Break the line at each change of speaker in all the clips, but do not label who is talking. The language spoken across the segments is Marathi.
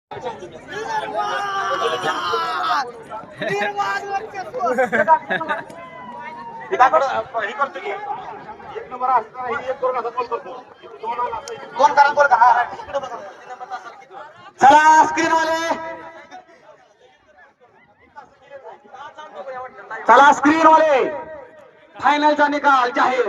चला स्क्रीनवाले, चला स्क्रीनवाले, फायनलचा निकाल जाहीर.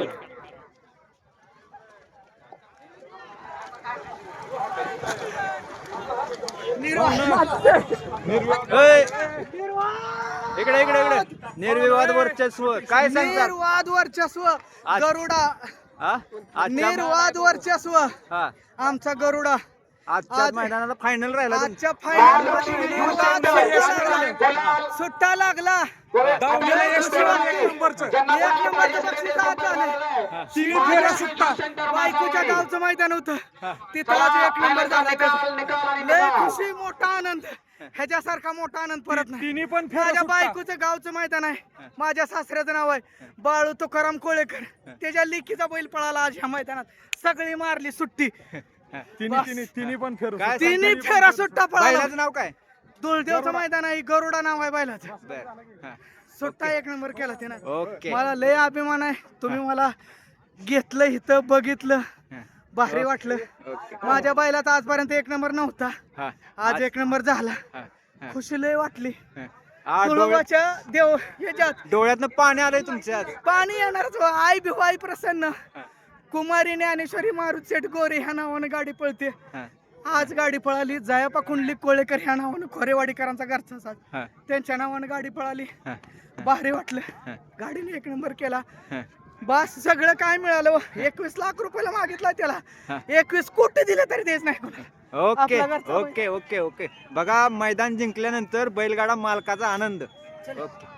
इकडे इकडे इकडे निर्विवाद वर्चस्व काय सांगतात?
निर्वाद वर्चस्व गरुडा, निर्वाद वर्चस्व
हा
आमचा गरुडा.
आजच्या मैदानाला फायनल राहिला.
आजच्या फायनल सुट्टा लागला. एक नंबरचं बक्षीस आज झालं. बायकोच्या गावचं मैदान होतं तिथं आज एक नंबर झाला. लय खुशी, मोठा आनंद, ह्याच्यासारखा मोठा आनंद परत नाही.
तिन्ही पण
माझ्या बायकोचं गावचं मैदान आहे. माझ्या सासऱ्याचं नाव आहे बाळू तुकाराम कोळेकर. त्याच्या लेकीचा बैल पळाला आज ह्या मैदानात. सगळी मारली सुट्टी.
तिन्ही पण फेरू.
तिन्ही फेरा सुट्टा पळाला.
बैलाचं नाव काय?
दुलदेवचं मैदान आहे. गरुडा नाव आहे बैलाचं.
बर.
सुट्टा एक नंबर केला त्यानं.
ओके.
मला लय अभिमान आहे. तुम्ही मला घेतलं इथं, बघितलं, भारी वाटलं. माझ्या बैलाचा आजपर्यंत एक नंबर नव्हता, आज एक नंबर झाला. खुशी लय वाटली. तुळोबाच्या देव ह्याच्यात
डोळ्यातनं पाणी आलंय तुमच्या.
पाणी येणारच. आई भिवाई प्रसन्न, कुमारी ज्ञानेश्वरी मारुत शेठ गोरे ह्या नावानं गाडी पळते. आज गाडी पळाली. जयापा कुंडली कोळेकर ह्या नावानं खोरेवाडीकरांचा घरचा साथ, त्यांच्या नावानं गाडी पळाली. भारी वाटलं. गाडीने एक नंबर केला. बस सगळं काय मिळालं. 21 लाख रुपयाला मागितला त्याला, 21 कोटी दिले तरी तेच नाही कोणाला.
ओके
आपला घरचा बैल.
Okay okay okay. बघा मैदान जिंकल्यानंतर बैलगाडा मालकाचा आनंद. ओके.